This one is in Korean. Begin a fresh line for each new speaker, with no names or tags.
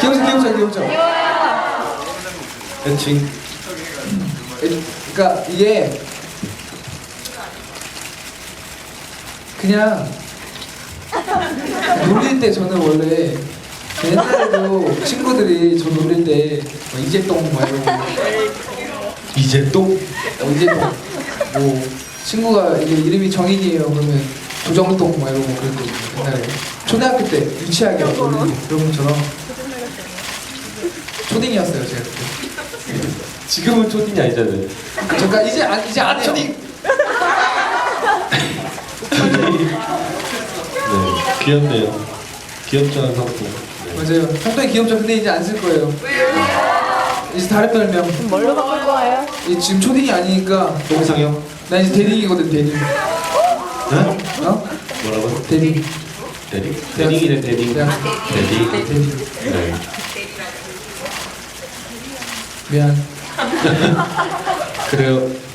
귀엽죠.
귀여워요.
애칭.
그러니까 이게 그냥 놀릴 때 저는 원래 옛날에도 친구들이 저 놀릴 때뭐 이재똥 뭐 이러고
이재똥?
이재똥 뭐 친구가 이게 이름이 정인이에요 그러면 조정똥 뭐 이러고 그랬거든요 옛날에 초등학교 때 유치하게 놀리는 그런 것처럼 초딩이었어요 제가 그때.
지금은 초딩이 아니잖아요.
잠깐 이제 안 해요.
초딩. 네, 귀엽네요. 귀엽잖아 성품. 네.
맞아요. 상당히 귀엽죠. 근데 이제 안 쓸 거예요. 이제 다른 별명.
뭘로 바꿀 거예요?
지금 초딩이 아니니까
똥상형?
나 이제 대딩이거든 대딩.
네?
어?
뭐라고?
대딩.
대딩? 대딩이네 대딩.
대학.
대딩.
대딩.
네.
미안.
그래요.